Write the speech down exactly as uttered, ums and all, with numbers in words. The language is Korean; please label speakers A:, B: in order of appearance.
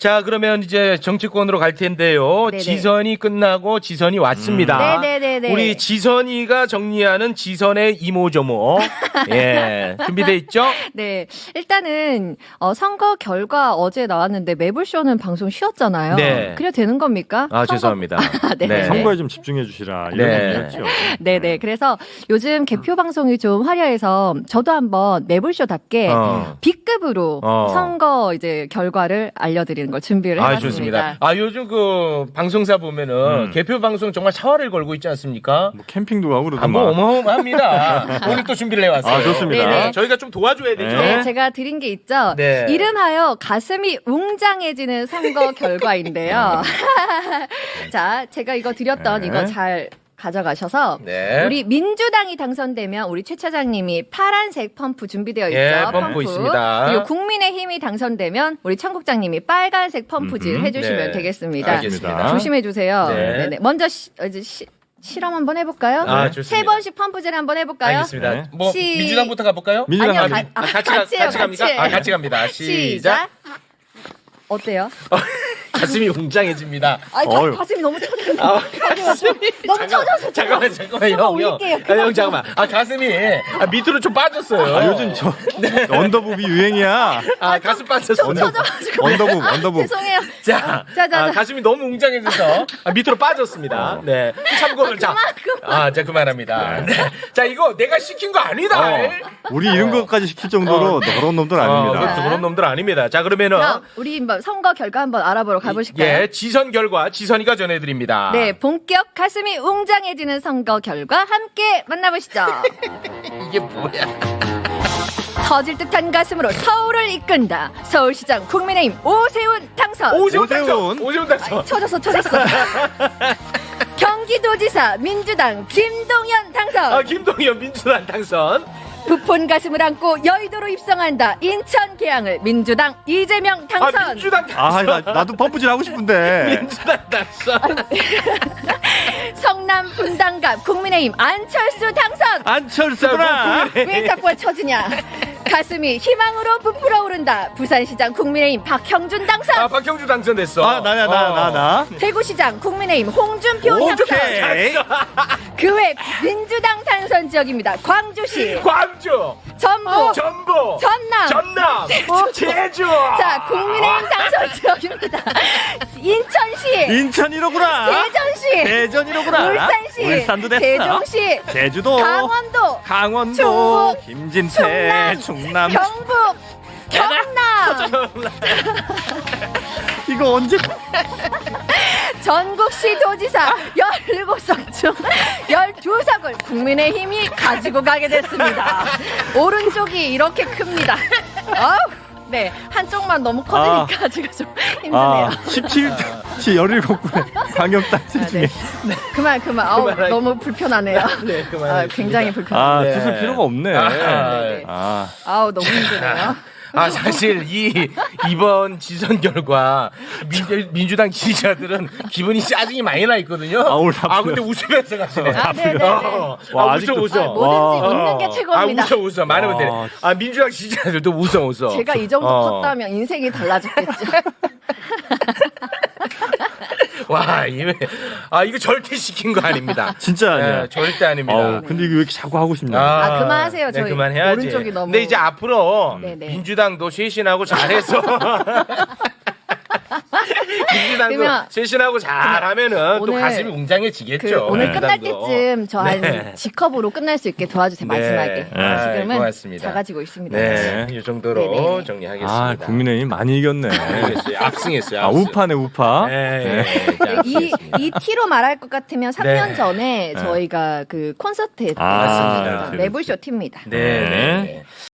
A: 자, 그러면 이제 정치권으로 갈 텐데요.
B: 네네.
A: 지선이 끝나고 지선이 왔습니다.
B: 음. 네네네네.
A: 우리 지선이가 정리하는 지선의 이모저모. 예. 준비돼 있죠?
B: 네. 일단은 어, 선거 결과 어제 나왔는데 매불쇼는 방송 쉬었잖아요.
A: 네.
B: 그래야 되는 겁니까?
A: 아,
B: 선거...
A: 죄송합니다.
B: 네.
A: 네.
C: 선거에 좀 집중해 주시라. 이런
A: 네.
C: 의미였죠.
B: 네네. 그래서 요즘 개표 방송이 좀 화려해서 저도 한번 매불쇼답게
A: 어.
B: B급으로
A: 어. 선거
B: 이제 결과를 알려드리는 걸 준비를
A: 아,
B: 해봤습니다.
A: 좋습니다. 아, 요즘 그 방송사 보면은
C: 음.
A: 개표 방송 정말 사활을 걸고 있지 않습니까?
C: 뭐 캠핑도 가고
A: 아,
C: 그러더만.
A: 뭐 어마어마합니다. 오늘 또 준비를 해왔어요.
C: 아, 좋습니다.
B: 네네.
A: 저희가 좀 도와줘야 되죠.
B: 네, 제가 드린 게 있죠.
A: 네.
B: 이름하여 가슴이 웅장해지는 선거 결과인데요. 자, 제가 이거 드렸던
C: 네.
B: 이거 잘 가져가셔서
A: 네.
B: 우리 민주당이 당선되면 우리 최 차장님이 파란색 펌프 준비되어 있죠.
A: 예, 펌프 있습니다.
B: 그리고 국민의힘이 당선되면 우리 청국장님이 빨간색 펌프질
C: 음흠.
B: 해주시면
A: 네.
B: 되겠습니다.
A: 알겠습니다.
B: 조심해 주세요.
A: 네.
B: 네네. 먼저 시, 어, 이제 시, 실험 한번 해볼까요?
A: 아, 좋습니다.
B: 세 번씩 펌프질 한번 해볼까요?
A: 알겠습니다.
C: 네.
A: 뭐
B: 시-
A: 민주당부터 가볼까요?
C: 민주당
B: 아니요,
C: 가bi-
B: 가-
A: 아,
B: 아,
A: 같이 가,
B: 같이 해요,
A: 같이 갑니까?
B: 같이.
A: 아, 같이 갑니다. 시작.
B: 어때요?
A: 가슴이 웅장해집니다.
B: 아니,
C: 어휴.
B: 가슴이 너무 쳐졌는데.
A: 아, 가슴이
B: 너무 쳐져서.
A: 잠깐만, 잠깐만, 형, 형.
B: 올릴게요.
A: 아, 형, 잠깐만. 아, 가슴이 아, 밑으로 좀 빠졌어요.
C: 아, 요즘 저 언더부비 유행이야.
A: 아, 가슴 빠졌어.
C: 언더, 언더부, 언더부.
B: 죄송해요.
A: 자,
B: 자, 자,
A: 아,
B: 자.
A: 가슴이 너무 웅장해져서 아, 밑으로 빠졌습니다. 네. 참고를 자.
B: 그만, 그만.
A: 아, 자, 그만합니다. 네. 자, 이거 내가 시킨 거 아니다.
C: 어, 우리 이런 것까지 시킬 정도로 너런 놈들
A: 어,
C: 아닙니다.
A: 그것도 그런 놈들 아닙니다. 자, 그러면은
B: 그럼 우리 한번 선거 결과 한번 알아보러 가보실까요?
A: 예, 지선 결과 지선이가 전해드립니다.
B: 네, 본격 가슴이 웅장해지는 선거 결과 함께 만나보시죠.
A: 이게 뭐야?
B: 터질 듯한 가슴으로 서울을 이끈다. 서울시장 국민의힘 오세훈 당선.
A: 오세훈
C: 오세훈.
A: 당선. 오세훈 당선.
B: 쳐졌어, 쳐졌어. 경기도지사 민주당 김동연 당선.
A: 아, 김동연 민주당 당선.
B: 부푼 가슴을 안고 여의도로 입성한다. 인천 계양을 민주당 이재명 당선.
A: 아, 민주당 당선.
C: 아, 나, 나도 펌프질 하고 싶은데.
A: 민주당 당선.
B: 성남 분당갑 국민의힘 안철수 당선.
C: 안철수구나.
B: 왜 자꾸 쳐지냐. 가슴이 희망으로 부풀어 오른다. 부산시장 국민의힘 박형준 당선.
A: 아, 박형주 당선됐어.
C: 아, 나야, 나, 나, 나.
B: 대구시장 국민의힘 홍준표 당선.
C: 오케이.
B: 그 외 민주당 당선 지역입니다. 광주시,
A: 광주,
B: 전북,
A: 전북,
B: 전남,
A: 전남, 제주.
B: 자 국민의힘 당선 지역입니다. 인천시,
C: 인천 이로구나.
B: 대전시,
C: 대전 이로구나.
B: 울산시,
C: 울산도 됐어.
B: 세종시,
C: 제주도.
B: 강원도,
C: 강원도.
B: 충북,
C: 김진태. 충남.
B: 경북, 경남,
C: 이거 언제.
B: 전국시 도지사 열일곱 석 중 열두 석을 국민의힘이 가지고 가게 됐습니다. 오른쪽이 이렇게 큽니다. 아우, 네, 한쪽만 너무 커지니까 제가 좀 힘드네요.
C: 아, 십칠 시 열일곱 분에 광역단체
B: 아,
C: 중에.
B: 네. 그만 그만. 아우,
A: 그만하기.
B: 너무 불편하네요.
A: 네, 그만.
B: 아, 굉장히 불편해요.
C: 아,
A: 네.
C: 쓰실 필요가 없네.
A: 아,
B: 네.
C: 아.
B: 아우, 너무 힘드네요.
A: 아, 사실 이 이번 지선 결과 민, 민주당 지지자들은 기분이 짜증이 많이 나 있거든요.
C: 아, 오늘
A: 아, 근데 웃으면서 가시네.
B: 아, 네네네.
A: 어,
C: 와,
A: 아, 웃어
C: 아직도-
A: 웃어.
B: 아, 뭐든지
C: 와.
B: 웃는 게
A: 아,
B: 최고입니다.
A: 웃어 웃어. 많은
C: 와.
A: 분들이. 아, 민주당 지지자들도 웃어 웃어.
B: 제가 이 정도
A: 어.
B: 컸다면 인생이 달라졌겠죠.
A: 와, 이거 아, 이거 절대 시킨 거 아닙니다.
C: 진짜 아니야.
A: 네, 절대 아닙니다.
C: 어우, 근데 이거 왜 이렇게 자꾸 하고 싶냐.
B: 아, 그만하세요.
A: 네,
B: 저희
A: 그만해야지.
B: 오른쪽이 너무-
A: 근데 이제 앞으로
B: 네네.
A: 민주당도 쇄신하고 잘해서 민주당도
B: 그러면
A: 쇄신하고 잘하면은 또
B: 오늘
A: 가슴이 웅장해지겠죠.
B: 그 오늘 끝날
A: 민주당도.
B: 때쯤 저 한
A: 네.
B: G컵으로 끝날 수 있게 도와주세요.
A: 네.
B: 마지막에.
A: 아,
B: 지금은
A: 고맙습니다.
B: 작아지고 있습니다.
A: 네, 이 정도로
B: 네네.
A: 정리하겠습니다.
C: 아, 국민의힘 많이 이겼네.
A: 알겠어요. 압승했어요.
C: 아,
A: 압승.
C: 우파네, 우파.
A: 네,
C: 네.
A: 네. 자,
B: 이,
A: 압승했습니다.
B: 이 티로 말할 것 같으면 삼 년
A: 네.
B: 전에
C: 네.
B: 저희가 그 콘서트 했던
C: 아,
A: 맞습니다.
B: 매불쇼 티입니다.
A: 네. 네.
C: 네.
A: 네.